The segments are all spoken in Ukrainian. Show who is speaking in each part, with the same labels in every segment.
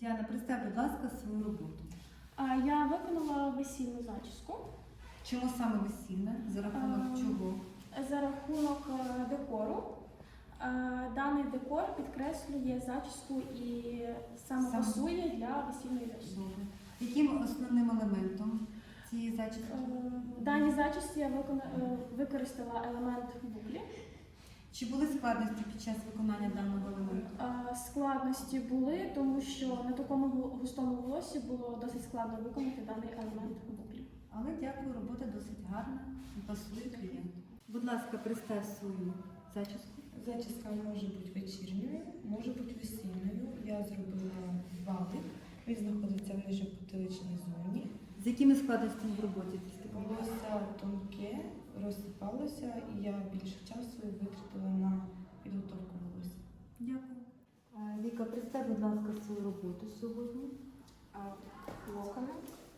Speaker 1: Діана, представ, будь ласка, свою роботу.
Speaker 2: Я виконала весільну зачіску
Speaker 1: Чому саме весільне? За рахунок чого?
Speaker 2: за рахунок декору. Даний декор підкреслює зачіску і саме пасує для весільної зачіски.
Speaker 1: Добре. Яким основним елементом цієї зачіски?
Speaker 2: В даній зачісці я використала елемент буклі.
Speaker 1: Чи були складності під час виконання даного елементу?
Speaker 2: Складності були, тому що на такому густому волосі було досить складно виконати даний елемент буклі.
Speaker 1: Але дякую, робота досить гарна і пасує клієнту. Будь ласка, представ свою зачіску.
Speaker 3: Зачіска може бути вечірньою, може бути весільною. Я зробила валик, він знаходиться в нижньопотиличній зоні.
Speaker 1: З якими складностями в роботі ти стикнулася?
Speaker 3: Волосся тонке, розсипалося, і я більше часу витратила на підготовку волосся.
Speaker 1: Дякую. Віка, представ, будь ласка, свою роботу сьогодні.
Speaker 4: Локони.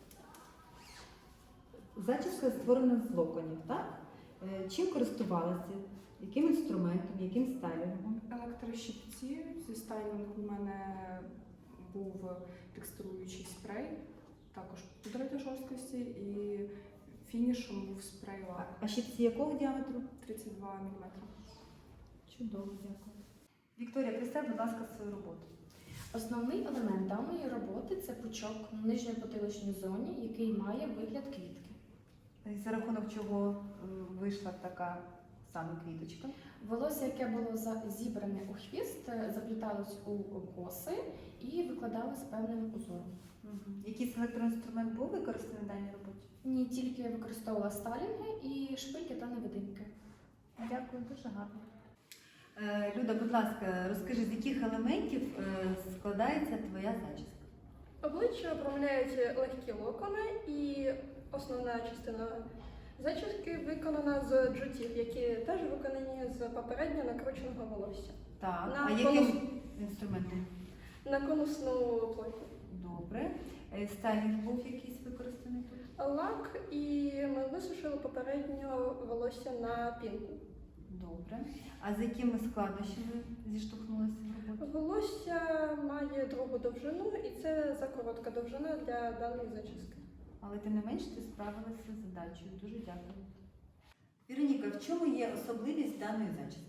Speaker 1: Зачіска створена з локонів, так? Чим користувалася? Яким інструментом, яким стайлінгом?
Speaker 4: Електрощипці. Зі стайлінгу у мене був текстуруючий спрей, також пудра для жорсткості, і фінішом був спрей лак
Speaker 1: А щипці якого діаметру?
Speaker 4: 32 мм.
Speaker 1: Чудово, дякую. Вікторія, представ, будь ласка, свою роботу.
Speaker 5: Основний елемент даної роботи це пучок в нижньої потиличній зоні, який має вигляд квітки.
Speaker 1: За рахунок чого вийшла така саме квіточка?
Speaker 5: Волосся, яке було зібране у хвіст, запліталось у коси і викладалось певним узором.
Speaker 1: Якийсь електроінструмент був використаний в даній роботі?
Speaker 5: Ні, тільки використовувала стайлінги і шпильки та невидимки.
Speaker 1: Дякую, дуже гарно. Люда, будь ласка, розкажи, з яких елементів складається твоя зачіска?
Speaker 6: Обличчя обрамляють легкі локони, і основна частина зачіски виконана з джутів, які теж виконані з попередньо накрученого волосся.
Speaker 1: Так,
Speaker 6: На
Speaker 1: а яким інструментом?
Speaker 6: На конусну плоть.
Speaker 1: Добре. Стайлінг був якийсь використаний тут?
Speaker 6: Лак, і ми висушили попередньо волосся на пінку.
Speaker 1: Добре. А з якими складнощами зіштовхнулися в роботі?
Speaker 6: Волосся має другу довжину, і це закоротка довжина для даної зачіски.
Speaker 1: Але тим не менш ти справилася з задачею. Дуже дякую. Вероніка, в чому є особливість даної зачіски?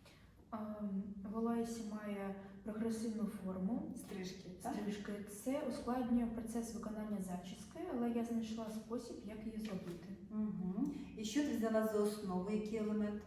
Speaker 7: Волосся має прогресивну форму,
Speaker 1: Стрижки, так?
Speaker 7: стрижки. Це ускладнює процес виконання зачіски, але я знайшла спосіб, як її зробити.
Speaker 1: Угу. І що ти взяла за основу? Який елемент?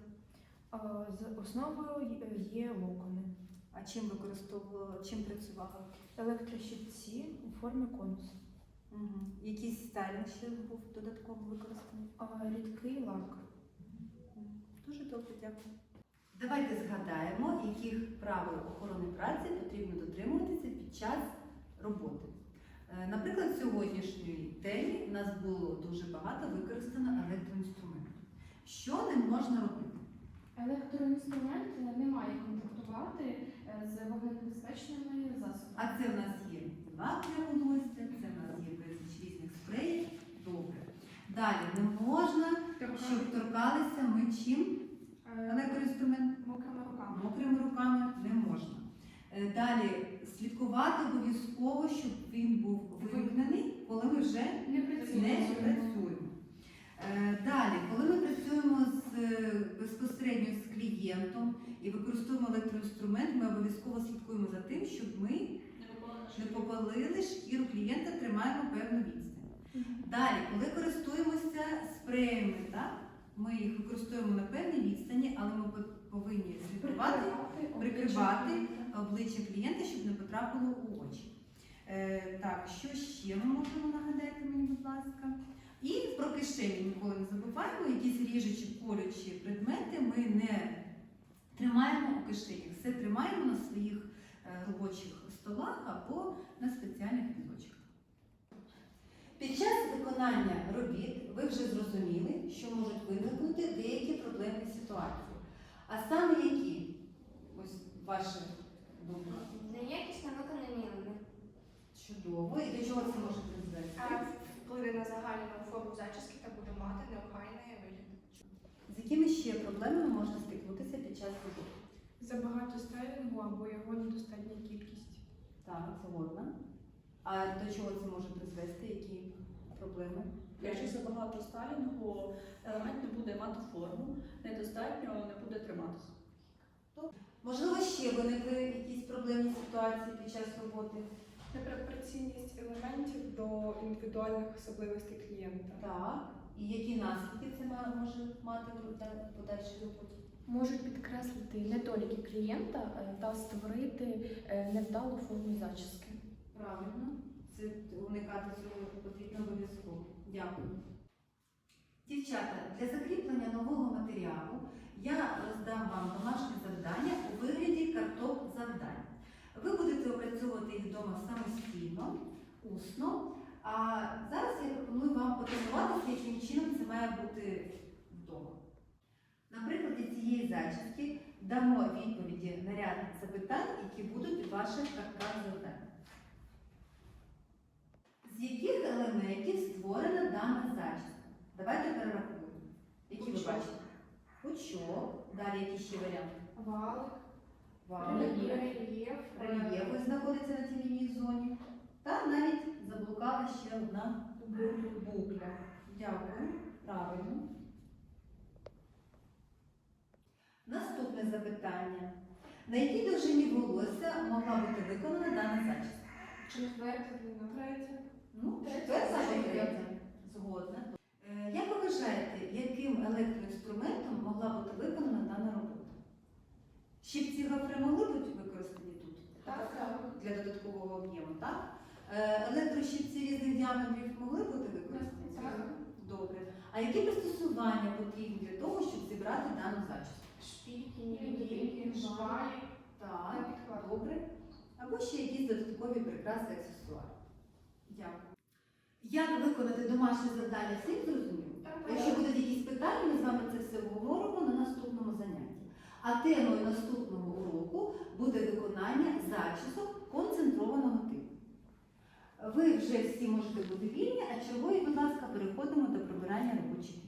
Speaker 7: З основою є локони,
Speaker 1: А чим використовувала, чим працювала?
Speaker 7: електрощипці у формі конусу,
Speaker 1: Угу. Якийсь стайлінг ще був додатково використаний?
Speaker 7: рідкий лак.
Speaker 1: Дуже добре, дякую. Давайте згадаємо, яких правил охорони праці потрібно дотримуватися під час роботи. Наприклад, в сьогоднішній темі у нас було дуже багато використано електроінструментів. Що не можна робити?
Speaker 5: Електроінструмент не має контактувати з вогненебезпечними засобами.
Speaker 1: А це в нас є лак для волосся, це в нас є безліч різних спреїв. Добре. Далі не можна, щоб торкалися ми чим? Електроінструмент?
Speaker 4: Мокрими руками.
Speaker 1: Мокрими руками не можна. Далі слідкувати обов'язково, щоб він був вимкнений, коли ми вже не працюємо. Далі, коли ми працюємо безпосередньо з клієнтом і використовуємо електроінструмент, ми обов'язково слідкуємо за тим, щоб ми не попалили шкіру клієнта, тримаємо певну відстань. Далі, коли користуємося спреями, так, ми їх використовуємо на певній відстані, але ми повинні слідкувати, прикривати обличчя клієнта, щоб не потрапило у очі. Так, що ще ми можемо нагадати мені, будь ласка? І про кишені ніколи не забуваємо, якісь ріжучі, колючі предмети ми не тримаємо у кишенях. Все тримаємо на своїх робочих столах або на спеціальних візочках. Під час виконання робіт ви вже зрозуміли, що можуть виникнути деякі проблемні ситуації. А саме які? Ось ваші думки.
Speaker 8: Неякісно виконані елементи.
Speaker 1: Чудово. І до чого це може призвести?
Speaker 4: Вплине на загальну форму зачіски та буде мати неохайний вигляд.
Speaker 1: З якими ще проблемами можна стикнутися під час роботи?
Speaker 4: Забагато стайлінгу або його недостатня кількість.
Speaker 1: Так, згодна. А до чого це може призвести? Які проблеми?
Speaker 9: Якщо забагато стайлінгу, елемент не буде мати форму, недостатньо не буде триматися.
Speaker 1: Можливо, ще виникли якісь проблемні ситуації під час роботи?
Speaker 4: Непропорційність елементів до індивідуальних особливостей клієнта.
Speaker 1: Так. І які наслідки це може мати в подальшій роботі?
Speaker 5: Можуть підкреслити недоліки клієнта та створити невдалу форму зачіски.
Speaker 1: Правильно. Це уникати цього потрібно обов'язково. Дякую. Дівчата, для закріплення нового матеріалу я роздам вам домашнє завдання у вигляді карток завдань. Ви будете опрацьовувати їх вдома самостійно, усно. А зараз я пропоную вам потренуватися, яким чином це має бути вдома. На прикладі цієї зачіски дамо відповіді на ряд запитань, які будуть у ваших картках завдань. З яких елементів створена дана зачіска? Давайте перерахуємо. Які ви бачите? Пучок. Далі які ще варіанти?
Speaker 6: Валик,
Speaker 1: Валик.
Speaker 6: рельєф,
Speaker 1: Рельєф ось знаходиться на цій лінії зоні. Та навіть заблукала ще одна букля. Дякую. Правильно. Наступне запитання. На якій довжині волосся могла бути виконана дана зачіска?
Speaker 6: четверта длина. Третя.
Speaker 1: Ну, четверта або третя. Згодна. Як ви вважаєте, яким електроінструментом могла бути виконана дана робота? Щипці гофри могли бути використані тут?
Speaker 6: Так.
Speaker 1: Для додаткового об'єму, так? Електрощипці різних діаметрів могли бути використані?
Speaker 6: Так.
Speaker 1: Добре. А які пристосування потрібні для того, щоб зібрати дану зачіску?
Speaker 6: Шпільки, невидимки, швалі.
Speaker 1: Так, добре. Або ще якісь додаткові прикраси, аксесуари. Дякую. Як виконати домашнє завдання, всім зрозуміло? Якщо будуть якісь питання, ми з вами це все обговоримо на наступному занятті. А темою наступного уроку буде виконання зачісок концентрованого типу. Ви вже всі можете бути вільні, а чергові, будь ласка, переходимо до прибирання робочих місць.